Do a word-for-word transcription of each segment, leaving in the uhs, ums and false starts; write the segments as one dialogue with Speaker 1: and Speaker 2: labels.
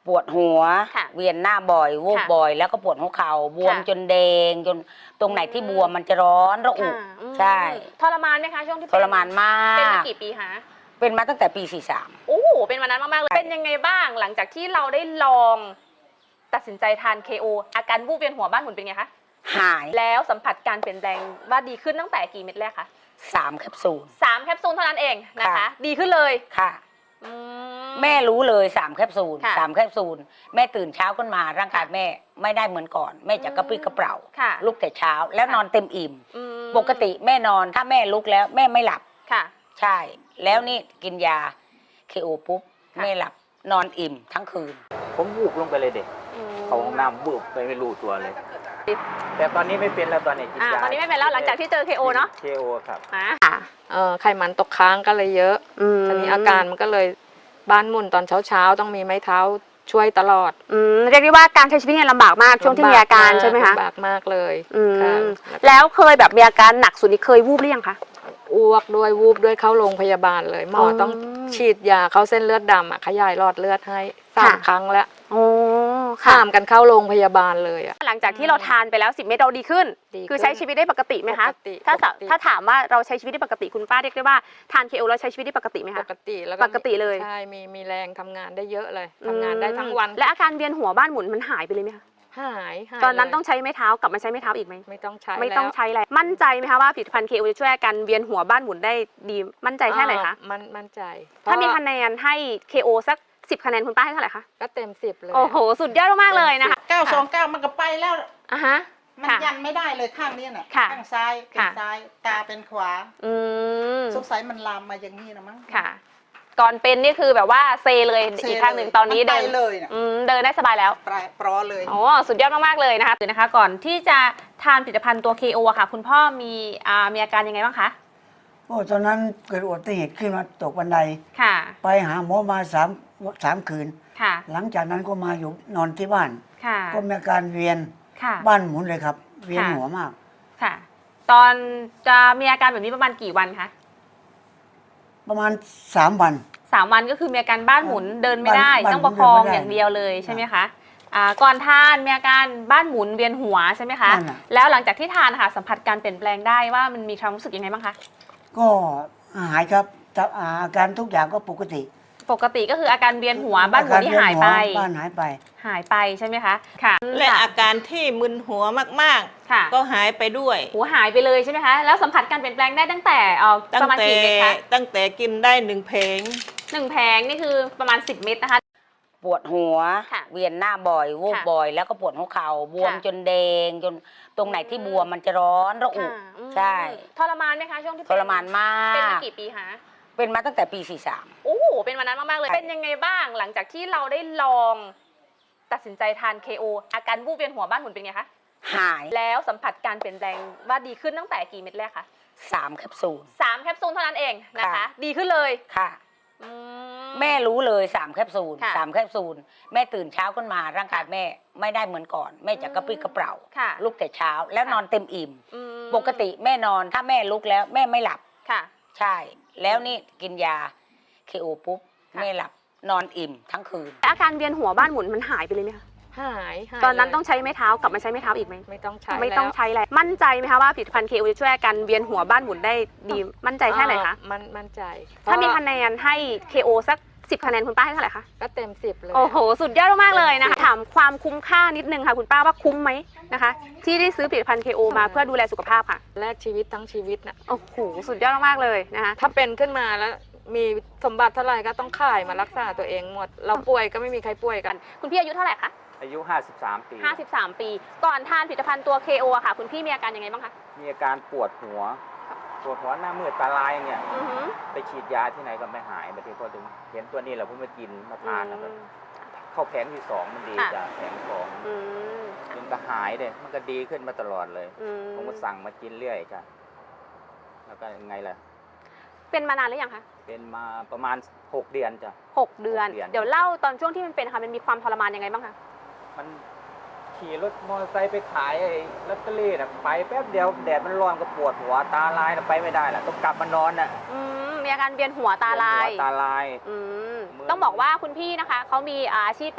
Speaker 1: ปวดหัว
Speaker 2: ค่ะ
Speaker 1: เวียนหน้าบ่อยวูบ
Speaker 2: ค่ะ
Speaker 1: บ่อย แล้วก็ปวดหัวเข่าบวม
Speaker 2: ค่ะ
Speaker 1: จนแดงจนตรงไหนที่บวมมันจะร้อนระอุ
Speaker 2: ค่ะอืม
Speaker 1: ใช่
Speaker 2: ทรมานไหมคะช่วงที่
Speaker 1: ทรมานมาก
Speaker 2: เป็นมากี่ปีคะ
Speaker 1: เป็นมาตั้งแต่ปีสี่สาม
Speaker 2: โอ้โหเป็นวันนั้นมากๆเลยเป็นยังไงบ้างหลังจากที่เราได้ลองตัดสินใจทาน เค โอ อาการวูบเวียนหัวบ้านหมุนเป็นไงคะ
Speaker 1: หาย
Speaker 2: แล้วสัมผัสการเปลี่ยนแปลงว่าดีขึ้นตั้งแต่กี่เม็ดแรกคะ
Speaker 1: สามแคปซูล
Speaker 2: สามแคปซูลเท่านั้นเองนะคะ
Speaker 1: ค่ะ
Speaker 2: ดีขึ้นเลย
Speaker 1: ค่ะ
Speaker 2: อื
Speaker 1: แม่รู้เลยสามแคปซูล
Speaker 2: ค่ะ
Speaker 1: สามแคปซูลแม่ตื่นเช้าขึ้นมาร่างกายแม่ไม่ได้เหมือนก่อน แม่จะกระปรี้กระเปร่า
Speaker 2: ค่ะ
Speaker 1: ลุกแต่เช้าแล้ว
Speaker 2: ค่ะ
Speaker 1: นอนเต็มอิ่ม
Speaker 2: อืม
Speaker 1: ปกติแม่นอนถ้าแม่ลุกแล้วแม่ไม่หลับ
Speaker 2: ค่ะ
Speaker 1: ใช่ แล้วนี่กินยาเคโอปุ๊บ
Speaker 2: ค่ะ
Speaker 1: ไม่หลับนอนอิ่มทั้งคืน
Speaker 3: ผมวูบลงไปเลยเด็ก
Speaker 2: อืม
Speaker 3: เขาห้องน้ำวูบไปไม่รู้ตัวเลย แต่ตอนนี้ไม่เป็นแล้วตอนนี้กิน
Speaker 2: อ่าย
Speaker 3: า
Speaker 2: ตอนนี้ไม่เป็นแล้วหลังจากที่เจอ เค โอ เนาะ
Speaker 3: เคโอครับ
Speaker 2: อ่า
Speaker 4: เออไขมันตกค้างก็เลยเยอะทีนี้อาการมันก็เลยบ้านหมุนตอนเช้าๆต้องมีไม้เท้าช่วยตลอด
Speaker 2: อืมเรียกได้ว่าการใช้ชีวิตเนี่ยลำบากมากช่วงที่มีอาการใช่ไหมคะ
Speaker 4: ลำบากมากเลย
Speaker 2: อืม
Speaker 4: ค่ะ
Speaker 2: แล้วเคยแบบมีอาการหนักสุดนี่เคยวูบหรือยังคะ
Speaker 4: อ้วกด้วยวูบด้วยเข้าโรงพยาบาลเลยหมออ
Speaker 2: อ
Speaker 4: ต้องฉีดยาเข้าเส้นเลือดดำอ่ะขยายหลอดเลือดให้สาม
Speaker 2: ค่ะ
Speaker 4: ครั้งแล้ว
Speaker 2: โอ้
Speaker 4: ข้ามกันเข้าโรงพยาบาลเลยอ่ะ
Speaker 2: หลังจากที่เราทานไปแล้วสิบเม็ดเราดีขึ้น
Speaker 4: ดีขึ้น
Speaker 2: คือใช้ชีวิตได้ปกติไหมคะ
Speaker 4: ปกติ
Speaker 2: ถ้าสะ
Speaker 4: ปกติ
Speaker 2: ถ้าถามว่าเราใช้ชีวิตได้ปกติคุณป้าเรียกได้ว่าทาน เค โอ แล้วใช้ชีวิตได้ปกติไหม
Speaker 4: ป
Speaker 2: คะ
Speaker 4: กติแล้ว
Speaker 2: ปกติเลย
Speaker 4: ใช่มีมีแรงทำงานได้เยอะเลยทำงานได้ทั้งวัน
Speaker 2: และอาการเวียนหัวบ้านหมุนมันหายไปเลยไหมคะ
Speaker 4: หายหาย
Speaker 2: ตอนนั้น
Speaker 4: เลย
Speaker 2: ต้องใช้ไม้เท้ากลับมาใช้ไม้เท้าอีกไหม
Speaker 4: ไม่ต้องใช้
Speaker 2: ไม่ต้อง
Speaker 4: แล้ว
Speaker 2: ใช้อะไรมั่นใจไหมคะว่าผลิตภัณฑ์ เค โอ จะช่วยอาการเวียนหัวบ้านหมุนได้ดีมั่นใจแค่ไหนคะ
Speaker 4: อ่ามันมั่นใจ
Speaker 2: ถ้ามี
Speaker 4: เพระ
Speaker 2: คะแนนให้ เค โอ สักสิบคะแนนคุณป้าให้เท่าไหร่คะ
Speaker 4: ก็เต็มสิบเลย
Speaker 2: โอ้โหสุดยอดมากๆเลยนะคะ
Speaker 5: เก้าสองเก้ามันก็ไปแล้ว
Speaker 2: อ่ะฮะ
Speaker 5: มัน
Speaker 2: ค่ะ
Speaker 5: ยันไม่ได้เลยข้างนี้น่ะ
Speaker 2: ค่ะ
Speaker 5: ข้างซ้ายเป็น
Speaker 2: ค่ะ
Speaker 5: ซ้ายตาเป็นขวา
Speaker 2: อืม
Speaker 5: สงสัยมันลามมาอย่างนี้นะมั้ง
Speaker 2: ค่ะ ก่อนเป็นนี่คือแบบว่าเซเลย
Speaker 5: เซ
Speaker 2: อีกข้างหนึ่งตอนนี้
Speaker 5: มั
Speaker 2: เดิ
Speaker 5: ไป
Speaker 2: น
Speaker 5: เลยน่ะ
Speaker 2: อืมเดินได้สบายแล้ว
Speaker 5: ปลายปลอเลย
Speaker 2: โอ้สุดยอดมากๆเลยนะคะคือนะคะ ก่อนที่จะทานผลิตภัณฑ์ตัว เค โอ อะค่ะ คุณพ่อมีอ่ามีอาการยังไงบ้างคะ
Speaker 6: โอ้ตอนนั้นเกิดอุบัติเหตุขึ้นมาตกบันได
Speaker 2: ค่ะ
Speaker 6: ไปหาหมอมาสามสามคืน
Speaker 2: ค่ะ
Speaker 6: หลังจากนั้นก็มาอยู่นอนที่บ้าน
Speaker 2: ค่ะ
Speaker 6: ก็มีอาการเวียน
Speaker 2: ค่ะ
Speaker 6: บ้านหมุนเลยครับ เวียน
Speaker 2: ค่ะ
Speaker 6: หัวมาก
Speaker 2: ค่ะ ตอนจะมีอาการแบบนี้ประมาณกี่วันคะ
Speaker 6: ประมาณสามวัน
Speaker 2: สามวันก็คือมีอาการบ้านหมุนเดินไม่ได้
Speaker 6: บ้าน
Speaker 2: ต้องประคอง
Speaker 6: เดินไม่ได้
Speaker 2: อย่างเดียวเลยใช่ไหมคะอ่าก่อนทานมีอาการบ้านหมุนเวียนหัวใช่ไหมคะ
Speaker 6: นั่นน่ะ
Speaker 2: แล้วหลังจากที่ทานค่ะสัมผัสการเปลี่ยนแปลงได้ว่ามันมีความรู้สึกยังไงบ้างคะ
Speaker 6: ก็หายครับแต่อาการทุกอย่างก็ปกติ
Speaker 2: ปกติก็คืออาการเวียนหัวบ้านหมุนที่หายไป
Speaker 6: อการเวีนหัวบ้านหายไป
Speaker 2: หายไปใช่ไหมคะค่ะ
Speaker 7: และ
Speaker 2: ค่
Speaker 7: อาการที่มึนหัวมาก
Speaker 2: ค่ะ
Speaker 7: ๆ ก็หายไปด้วย
Speaker 2: หัวหายไปเลยใช่ไหมคะแล้วสัมผัสการเปลี่ยนแปลงได้ตั้งแต่เอ่อ
Speaker 7: ตั้
Speaker 2: ป
Speaker 7: ง
Speaker 2: ระมาณ
Speaker 7: แต่
Speaker 2: กี่เม็ดคะ
Speaker 7: ตั้งแต่กินได้หนึ่งเพลง
Speaker 2: หนึ่งแผงนี่คือประมาณสิบเม็ดนะคะ
Speaker 1: ปวดหัว
Speaker 2: ค่ะ
Speaker 1: เวียนหน้าบ่อยวูบ
Speaker 2: ค่ะ
Speaker 1: บ่อย แล้วก็ปวดหัวเข่าบวม
Speaker 2: ค่ะ
Speaker 1: จนแดงจนตรงไหนที่บวมมันจะร้อนระอุ
Speaker 2: ค่ะอืม
Speaker 1: ใช่
Speaker 2: ทรมานไหมคะช่วงที่
Speaker 1: ทรมานมา
Speaker 2: เป็นมาก กี่ปีคะ
Speaker 1: เป็นมาตั้งแต่ปีสี่สาม
Speaker 2: โอ้โหเป็นวันนั้นมากๆเลย
Speaker 1: ค่ะ
Speaker 2: เป็นยังไงบ้างหลังจากที่เราได้ลองตัดสินใจทาน เค โอ อาการวูบเวียนหัวบ้านหมุนเป็นไงคะ
Speaker 1: หาย
Speaker 2: แล้วสัมผัสการเปลี่ยนแปลงว่าดีขึ้นตั้งแต่กี่เม็ดแรกคะ
Speaker 1: สามแคปซูล
Speaker 2: สามแคปซูลเท่านั้นเองนะคะ
Speaker 1: ค่ะ
Speaker 2: ดีขึ้นเลย
Speaker 1: ค่ะ
Speaker 2: อื
Speaker 1: แม่รู้เลยสามแคปซูล
Speaker 2: ค่ะ
Speaker 1: สามแคปซูลแม่ตื่นเช้าขึ้นมาร่างกายแม่ไม่ได้เหมือนก่อน แม่จะกระปรี้กระเปร่า
Speaker 2: ค่ะ
Speaker 1: ลุกแต่เช้าแล้ว
Speaker 2: ค่ะ
Speaker 1: นอนเต็มอิ่ม
Speaker 2: อืม
Speaker 1: ปกติแม่นอนถ้าแม่ลุกแล้วแม่ไม่หลับ
Speaker 2: ค่ะ
Speaker 1: ใช่ แล้วนี่กินยาเคโอปุ๊บ
Speaker 2: ค่ะ
Speaker 1: ไม่หลับนอนอิ่มทั้งคืน
Speaker 2: และอาการเวียนหัวบ้านหมุนมันหายไปเลยไหมคะ
Speaker 4: หายหาย
Speaker 2: ตอนนั้น
Speaker 4: เลย
Speaker 2: ต้องใช้ไม้เท้ากลับมาใช้ไม้เท้าอีกไหม
Speaker 4: ไม่ต้องใช้
Speaker 2: ไม่ต้อง
Speaker 4: แล้ว
Speaker 2: ใช้อะไรมั่นใจไหมคะว่าผลิตภัณฑ์ เค โอ จะช่วยอาการเวียนหัวบ้านหมุนได้ดีมั่นใจแค่ไหนคะ
Speaker 4: อ่ามันมั่นใจ
Speaker 2: ถ้ามี
Speaker 4: เพระ
Speaker 2: คะแนนให้ เค โอ สักสิบคะแนนคุณป้าให้เท่าไหร่คะ
Speaker 4: ก็เต็มสิบเลย
Speaker 2: โอ้โห สุดยอดมากๆเลยนะคะ ถามความคุ้มค่านิดนึงค่ะคุณป้าว่าคุ้มไหมนะคะ ที่ได้ซื้อผลิตภัณฑ์ เค โอ มาเพื่อดูแลสุขภาพค่ะ
Speaker 4: แลกชีวิตทั้งชีวิตน่ะ
Speaker 2: โอ้โห สุดยอดมากๆเลยนะคะ
Speaker 4: ถ้าเป็นขึ้นมาแล้วมีสมบัติเท่าไหร่ก็ต้องขายมารักษาตัวเองหมด เราป่วยก็ไม่มีใครป่วยกัน
Speaker 2: คุณพี่อายุเท่าไหร่คะ
Speaker 3: อายุห้าสิบสามปี
Speaker 2: ห้าสิบสามปี ก่อนทานผลิตภัณฑ์ตัว เค โอ อะค่ะ คุณพี่มีอาการยังไงบ้างคะ
Speaker 3: มีอาการปวดหัว ปวดหัวหน้ามืดตาลายเนี่ย
Speaker 2: อือหือ
Speaker 3: ไปฉีดยาที่ไหนก็ไม่หายบางทีพอถึงเห็นตัวนี้แหละเพิ่งมากินมาทานนะครับ
Speaker 2: อืม
Speaker 3: เข้าแผงที่สองมันดี
Speaker 2: ค่ะ
Speaker 3: จ้ะแผงสอง
Speaker 2: อืม
Speaker 3: มันก็หายเลยมันก็ดีขึ้นมาตลอดเลย
Speaker 2: อืม
Speaker 3: ผมก็สั่งมากินเรื่อยจ้ะแล้วก็ยังไงล่ะ
Speaker 2: เป็นมานานหรือยังคะ
Speaker 3: เป็นมาประมาณหกเดือนจ้ะ
Speaker 2: หกเดือน
Speaker 3: หกเดือน
Speaker 2: เดี๋ยวเล่าตอนช่วงที่มันเป็นค่ะมันมีความทรมานยังไงบ้างคะ
Speaker 3: มันขี่รถมอเตอร์ไซค์ไปขายไอ้ลอตเตอรี่นะไปแป๊บเดียวแดดมันร้อนก็ปวดหัวตาลายนะไปไม่ได้แหละต้องกลับมานอนน่ะ
Speaker 2: อืมมีอาการเวียนหัวตาลาย
Speaker 3: หัวตาลาย
Speaker 2: อืม
Speaker 3: เหมือน
Speaker 2: ต้องบอกว่าคุณพี่นะคะเขามีอาชีพเป็น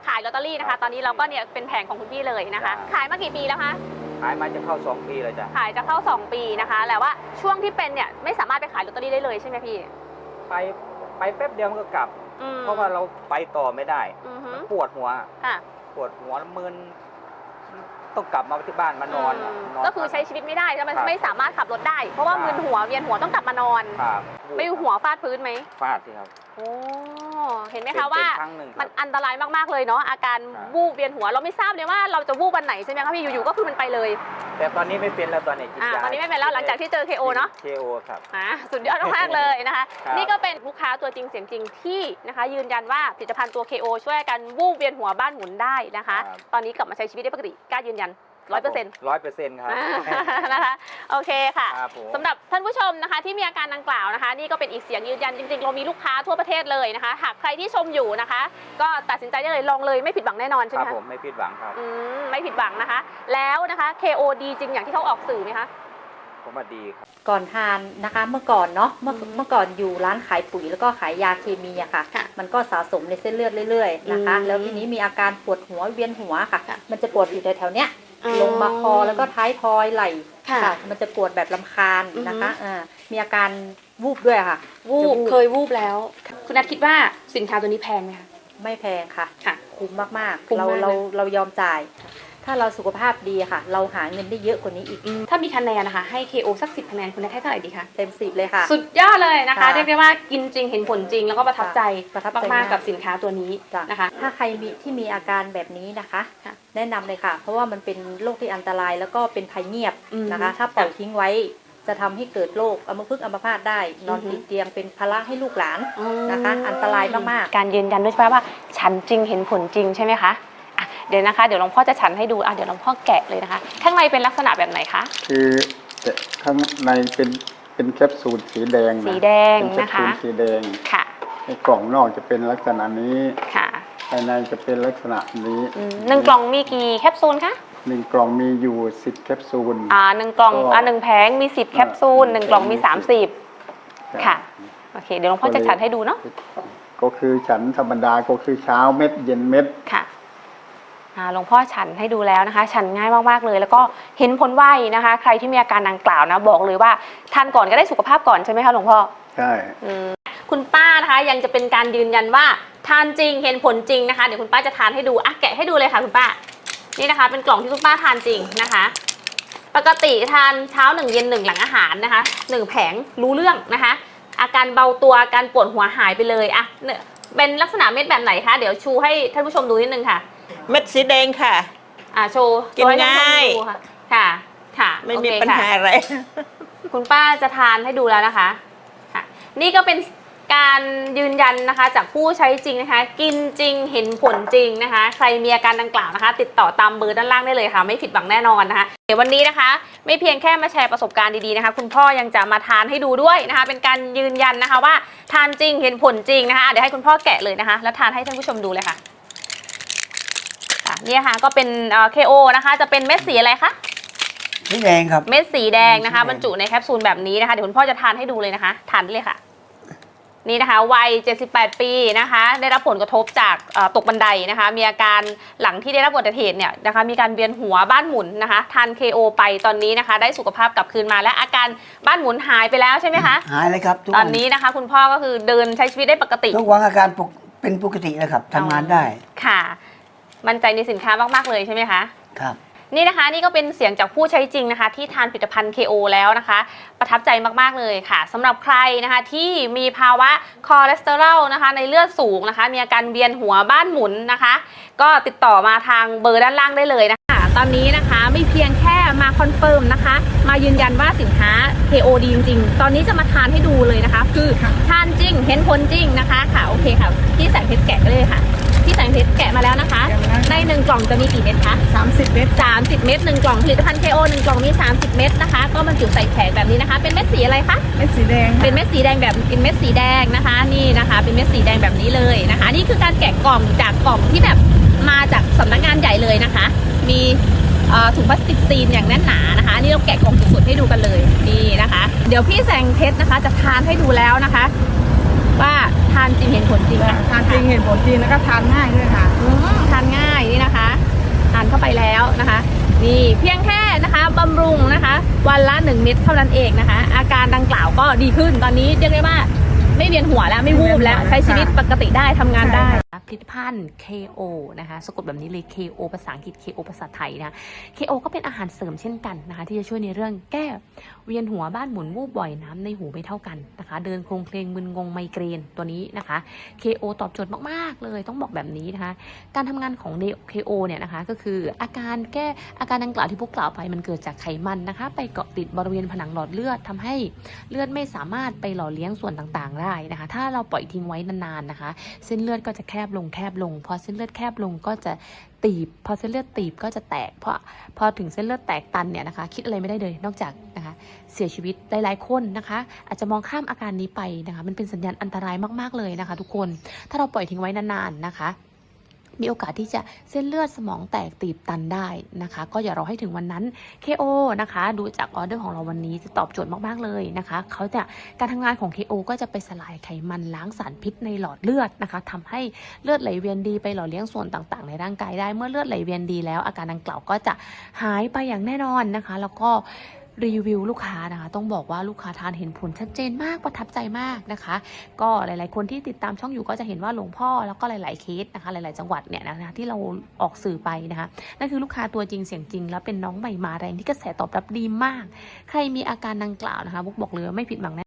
Speaker 2: ขายลอตเตอรี่นะคะ ตอนนี้เราก็เนี่ยเป็นแผงของคุณพี่เลยนะคะ ขายมากี่ปีแล้วคะ
Speaker 3: ขายมาจะเข้าสองปีเลยจ้ะ
Speaker 2: ขายจะเข้าสองปีนะคะแต่ว่าช่วงที่เป็นเนี่ยไม่สามารถไปขายลอตเตอรี่ได้เลยใช่ไหมพี่
Speaker 3: ไปไปแป๊บเดียวมันก็กลับ
Speaker 2: อืม
Speaker 3: เพราะว่าเราไปต่อไม่ได้
Speaker 2: อือฮึ
Speaker 3: มันปวดหัว
Speaker 2: ค่ะ
Speaker 3: ปวดหัวแล้วมึนต้องกลับมาที่บ้านมานอน
Speaker 2: อืม
Speaker 3: นอน
Speaker 2: ก็คือใช้ชีวิตไม่ได้ใช่ไหม
Speaker 3: ครับ
Speaker 2: ไม่สามารถขับรถได้ เพราะว่า
Speaker 3: ครับ
Speaker 2: มึนหัวเวียนหัวต้องกลับมานอน
Speaker 3: ครับ
Speaker 2: ไม่หัวฟาดพื้นไหม
Speaker 3: ฟาดสิครับ
Speaker 2: โอ้เห็นไหม
Speaker 3: เป็
Speaker 2: คะ
Speaker 3: น
Speaker 2: ว่า
Speaker 3: เป็นครั้งหนึ่งค
Speaker 2: มั
Speaker 3: รั
Speaker 2: น
Speaker 3: บ
Speaker 2: อันตรายมากๆเลยเนาะอาการ
Speaker 3: ครับ
Speaker 2: วูบเวียนหัวเราไม่ทราบเลยว่าเราจะวูบวันไหนใช่ไหมคะพี่อยู่ๆก็คือมันไปเลย
Speaker 3: แต่ตอนนี้ไม่เป็นแล้วตอนนี้กิน
Speaker 2: อ่าย
Speaker 3: า
Speaker 2: ตอนนี้ไม่เป็นแล้วหลังจากที่เจอ เค โอ เนาะ
Speaker 3: เคโอครับ
Speaker 2: อ่าสุดยอดมากๆเลยนะคะ
Speaker 3: ครับ
Speaker 2: นี่ก็เป็นลูกค้าตัวจริงเสียงจริงที่นะคะ ยืนยันว่าผลิตภัณฑ์ตัว เค โอ ช่วยกันวูบเวียนหัวบ้านหมุนได้นะคะ ตอนนี้กลับมาใช้ชีวิตได้ปกติกล้ายืนยันร้อยเปอร์เซ็นต์
Speaker 3: ร้อยเปอร์เซ็นต์ครับ
Speaker 2: นะคะโอเคค่ะ
Speaker 3: ครับผม
Speaker 2: สำหรับท่านผู้ชมนะคะที่มีอาการดังกล่าวนะคะ นี่ก็เป็นอีกเสียงยืนยันจริงๆ เรามีลูกค้าทั่วประเทศเลยนะคะ หากใครที่ชมอยู่นะคะ ก็ตัดสินใจได้เลยลองเลยไม่ผิดหวังแน่นอนใช่
Speaker 3: ค
Speaker 2: ไห
Speaker 3: รั
Speaker 2: ม
Speaker 3: บ
Speaker 2: คะ
Speaker 3: ผมไม่ผิดหวังครับ
Speaker 2: อืมไม่ผิดหวังนะคะ แล้วนะคะ เค โอ ดีจริงอย่างที่เขาออกสื่อไหมคะ
Speaker 3: ผมว่าดีครับ
Speaker 8: ก่อนทานนะคะเมื่อก่อนเนาะเมื่อ
Speaker 2: อืม
Speaker 8: เมื่อก่อนอยู่ร้านขายปุ๋ยแล้วก็ขายยาเคมีอะค่ะ
Speaker 2: ค่ะ
Speaker 8: มันก็สะสมในเส้นเลือดเรื่อยๆนะคะ
Speaker 2: อืม
Speaker 8: แล้วทีนี้มีอาการปวดหัวเวียนหัวค่ะ
Speaker 2: ค่ะ
Speaker 8: มันจะปวดอยู่แถวๆเนี้ย
Speaker 2: อ๋อ
Speaker 8: ลงมาคอแล้วก็ท้ายทอยไหล่
Speaker 2: ค่ะ
Speaker 8: มันจะปวดแบบลำคาญ
Speaker 2: อือฮึ
Speaker 8: นะคะอ่ามีอาการวูบด้วยค่ะ
Speaker 2: วูบ
Speaker 8: จะวูบ
Speaker 2: เคยวูบแล้ว คุณนัทคิดว่าสินค้าตัวนี้แพงไหมคะ
Speaker 8: ไม่แพงค่ะ
Speaker 2: ค่ะ
Speaker 8: คุ้มมาก
Speaker 2: คุ้
Speaker 8: ๆ
Speaker 2: ม
Speaker 8: เรา
Speaker 2: มาก
Speaker 8: เรา
Speaker 2: นะ
Speaker 8: เรายอมจ่าย ถ้าเราสุขภาพดีค่ะ เราหาเงินได้เยอะกว่านี้อีก
Speaker 2: ถ้ามีคะแนนนะคะให้ เค โอ สักสิบคะแนนคุณนัทให้เท่าไหร่ดีคะ
Speaker 8: เต็มสิบเลยค่ะ
Speaker 2: สุดยอดเลยนะคะ
Speaker 8: ค่ะ
Speaker 2: เรียกได้ว่ากินจริงเห็นผลจริงแล้วก็ประทับใจ
Speaker 8: ประทับใจ
Speaker 2: มาก
Speaker 8: มาก
Speaker 2: ๆกับสินค้าตัวนี้
Speaker 8: จ้ะ
Speaker 2: นะคะ
Speaker 8: ถ้าใครมีที่มีอาการแบบนี้นะคะ
Speaker 2: ค่ะ
Speaker 8: แนะนำเลยค่ะ เพราะว่ามันเป็นโรคที่อันตรายแล้วก็เป็นภัยเงียบ
Speaker 2: อืม
Speaker 8: นะคะ ถ้าปล่อย
Speaker 2: ค่ะ
Speaker 8: ทิ้งไว้จะทำให้เกิดโรคอัมพฤกษ์อัมพาตได้ นอน
Speaker 2: อือฮึ
Speaker 8: ติดเตียงเป็นภาระให้ลูกหลานนะคะ อันตรายมากๆ
Speaker 2: การยืนยันด้วยใช่ไหมว่าฉันจริงเห็นผลจริงใช่ไหมคะอ่ะเดี๋ยวนะคะเดี๋ยวหลวงพ่อจะฉันให้ดูอ่ะเดี๋ยวหลวงพ่อแกะเลยนะคะ ข้างในเป็นลักษณะแบบไหนคะ
Speaker 9: คือแต่ข้างในเป็นเป็นแคปซูลสีแดงนะ
Speaker 2: สีแดง
Speaker 9: เป็นแคป
Speaker 2: นะ
Speaker 9: ซู
Speaker 2: คะ
Speaker 9: ลสีแดง
Speaker 2: ค่ะ
Speaker 9: ในกล่องนอกจะเป็นลักษณะนี้
Speaker 2: ค่ะ
Speaker 9: ภายในจะเป็นลักษณะนี้
Speaker 2: อืมหนึ่งกล่องมีกี่แคปซูลคะ
Speaker 9: หนึ่งกล่องมีอยู่สิบแคปซูล
Speaker 2: อ่าหนึ่งกล่อง
Speaker 9: ก็
Speaker 2: อ่าหนึ่งแผงมีสิบแคปซูลหนึ่งกล่องมีสามสิบ ค่ะ โอเคเดี๋ยวหลวงพ่อจะฉันให้ดูเนาะ
Speaker 9: ก็คือฉันธรรมดาก็คือเช้าเม็ดเย็นเม็ด
Speaker 2: ค่ะอ่าหลวงพ่อฉันให้ดูแล้วนะคะ ฉันง่ายมากๆเลย แล้วก็เห็นผลไวนะคะ ใครที่มีอาการดังกล่าวนะบอกเลยว่าทานก่อนก็ได้สุขภาพก่อนใช่ไหมคะหลวงพ่อ
Speaker 9: ใช่
Speaker 2: อืมคุณป้านะคะยังจะเป็นการยืนยันว่าทานจริงเห็นผลจริงนะคะเดี๋ยวคุณป้าจะทานให้ดูอ่ะแกะให้ดูเลยค่ะคุณป้านี่นะคะ เป็นกล่องที่คุณป้าทานจริงนะคะ ปกติทานเช้าหนึ่งเย็นหนึ่งหลังอาหารนะคะหนึ่งแผงรู้เรื่องนะคะ อาการเบาตัวอาการปวดหัวหายไปเลยอ่ะเนี่ยเป็นลักษณะเม็ดแบบไหนคะเดี๋ยวชูให้ท่านผู้ชมดูนิดนึงค่ะ
Speaker 7: เม็ดสีแดงค่ะ
Speaker 2: อ่ะโชว์
Speaker 7: กิน
Speaker 2: โชว์ให้ท่านผู้ชม
Speaker 7: ง่าย
Speaker 2: ดูค่ะค่ะค่ะ
Speaker 7: ไม่
Speaker 2: โอ
Speaker 7: มี
Speaker 2: เค
Speaker 7: ปัญ
Speaker 2: ค่ะ
Speaker 7: หาอะไร
Speaker 2: คุณป้าจะทานให้ดูแล้วนะคะค่ะนี่ก็เป็นการยืนยันนะคะจากผู้ใช้จริงนะคะ กินจริงเห็นผลจริงนะคะ ใครมีอาการดังกล่าวนะคะ ติดต่อตามเบอร์ด้านล่างได้เลยค่ะ ไม่ผิดหวังแน่นอนนะคะเดี๋ยววันนี้นะคะ ไม่เพียงแค่มาแชร์ประสบการณ์ดีๆนะคะ คุณพ่อยังจะมาทานให้ดูด้วยนะคะ เป็นการยืนยันนะคะว่าทานจริงเห็นผลจริงนะคะเดี๋ยวให้คุณพ่อแกะเลยนะคะ แล้วทานให้ท่านผู้ชมดูเลยค่ะค่ะเนี่ยค่ะก็เป็นเอ่อ เค โอ นะคะจะเป็นเม็ดสีอะไรคะ
Speaker 6: สีแดงครับ
Speaker 2: เม็ดสีแดงนะคะ
Speaker 6: สีแดง
Speaker 2: บรรจุในแคปซูลแบบนี้นะคะเดี๋ยวคุณพ่อจะทานให้ดูเลยนะคะทานได้เลยค่ะนี่นะคะวัยเจ็ดสิบแปดปีนะคะได้รับผลกระทบจากเอ่อตกบันไดนะคะมีอาการหลังที่ได้รับอุบัติเหตุเนี่ยนะคะมีการเวียนหัวบ้านหมุนนะคะทาน เค โอ ไปตอนนี้นะคะได้สุขภาพกลับคืนมาและอาการบ้านหมุนหายไปแล้วใช่ไหมคะ
Speaker 6: หายเลยครับทุก
Speaker 2: ตอ
Speaker 6: วัน
Speaker 2: นี้นะคะคุณพ่อก็คือเดินใช้ชีวิตได้ปกติ
Speaker 6: ทุกวันอาการปกเป็นปกติแล้วครับทำงานได้
Speaker 2: ค่ะมั่นใจในสินค้ามากๆเลยใช่ไหมคะ
Speaker 6: ครับ
Speaker 2: นี่นะคะนี่ก็เป็นเสียงจากผู้ใช้จริงนะคะที่ทานผลิตภัณฑ์ เค โอ แล้วนะคะ ประทับใจมากๆเลยค่ะสำหรับใครนะคะที่มีภาวะคอเลสเตอรอลนะคะในเลือดสูงนะคะมีอาการเวียนหัวบ้านหมุนนะคะ ก็ติดต่อมาทางเบอร์ด้านล่างได้เลยนะคะตอนนี้นะคะไม่เพียงแค่มาคอนเฟิร์มนะคะมายืนยันว่าสินค้า เค โอ ดีจริงๆตอนนี้จะมาทานให้ดูเลยนะคะ คือทานจริงเห็นผลจริงนะคะค่ะโอเคค่ะพี่แสงเพชรแกะเลยค่ะพี่แสงเพชรแกะมาแล้วนะคะในหนึ่งกล่องจะมีกี่เม็ดคะ
Speaker 5: สามสิบเมตร
Speaker 2: สามสิบเม็ดหนึ่งกล่องผลิตภัณฑ์ เค โอ หนึ่งกล่องมีสามสิบเม็ดนะคะก็บรรจุใส่แผงแบบนี้นะคะเป็นเม็ดสีอะไรคะ
Speaker 5: เม็ดสีแดง
Speaker 2: เป็นเม็ดสีแดงแบบเป็นเม็ดสีแดงนะคะนี่นะคะเป็นเม็ดสีแดงแบบนี้เลยนะคะนี่คือการแกะกล่องจากกล่องที่แบบมาจากสำนักงานใหญ่เลยนะคะมีเอ่อถุงพลาสติกซีนอย่างแน่นหนานะคะนี่เราแกะกล่องสดๆให้ดูกันเลยนี่นะคะเดี๋ยวพี่แสงเพชรนะคะจะทานให้ดูแล้วนะคะว่าทานจริงเห็นผลจริงค่ะ
Speaker 5: ทานจริงเห็นผลจริงแล้วก็ทานง่ายด้วยค่ะ
Speaker 2: อืมทานนี่เพียงแค่นะคะบำรุงนะคะวันละหนึ่งเม็ดเท่านั้นเองนะคะ อาการดังกล่าวก็ดีขึ้นตอนนี้เรียกได้ว่าไม่เวียนหัวแล้วไม่วูบแล้วใช้ชีวิตปกติได้ทำงานได้ผลิตภัณฑ์ เค โอ นะคะสะกดแบบนี้เลย เค โอ ภาษาอังกฤษ เค โอ ภาษาไทยนะ เค โอ ก็เป็นอาหารเสริมเช่นกันนะคะที่จะช่วยในเรื่องแก้เวียนหัวบ้านหมุนวูบบ่อยน้ำในหูไม่เท่ากันนะคะเดินโครงเพลงมึนงงไมเกรนตัวนี้นะคะ เค โอ ตอบโจทย์มากๆเลยต้องบอกแบบนี้นะคะการทำงานของ เค โอ เนี่ยนะคะก็คืออาการแก้อาการดังกล่าวที่พวกกล่าวไปมันเกิดจากไขมันนะคะไปเกาะติดบริเวณผนังหลอดเลือดทำให้เลือดไม่สามารถไปหล่อเลี้ยงส่วนต่างๆได้นะคะถ้าเราปล่อยทิ้งไว้นานๆนะคะเส้นเลือดก็จะแคบลงแคบลงพอเส้นเลือดแคบลงก็จะตีบพอเส้นเลือดตีบก็จะแตกเพราะพอถึงเส้นเลือดแตกตันเนี่ยนะคะคิดอะไรไม่ได้เลยนอกจากนะคะเสียชีวิตหลายๆคนนะคะอาจจะมองข้ามอาการนี้ไปนะคะมันเป็นสัญญาณอันตรายมากๆเลยนะคะทุกคนถ้าเราปล่อยทิ้งไว้นานๆนะคะมีโอกาสที่จะเส้นเลือดสมองแตกตีบตันได้นะคะก็อย่ารอให้ถึงวันนั้น เค โอ นะคะดูจากออเดอร์ของเราวันนี้จะตอบโจทย์มากๆเลยนะคะเขาจะการทำงานของ เค โอ ก็จะไปสลายไขมันล้างสารพิษในหลอดเลือดนะคะทำให้เลือดไหลเวียนดีไปหล่อเลี้ยงส่วนต่างๆในร่างกายได้เมื่อเลือดไหลเวียนดีแล้วอาการดังกล่าวก็จะหายไปอย่างแน่นอนนะคะแล้วก็รีวิวลูกค้านะคะต้องบอกว่าลูกค้าทานเห็นผลชัดเจนมากประทับใจมากนะคะก็หลายๆคนที่ติดตามช่องอยู่ก็จะเห็นว่าหลวงพ่อแล้วก็หลายๆเคสนะคะหลายๆจังหวัดเนี่ยนะคะที่เราออกสื่อไปนะคะนั่นคือลูกค้าตัวจริงเสียงจริงแล้วเป็นน้องใหม่มาแรงที่กระแสตอบรับดีมากใครมีอาการดังกล่าวนะคะบุ๊กบอกเลยว่าไม่ผิดหวังแน่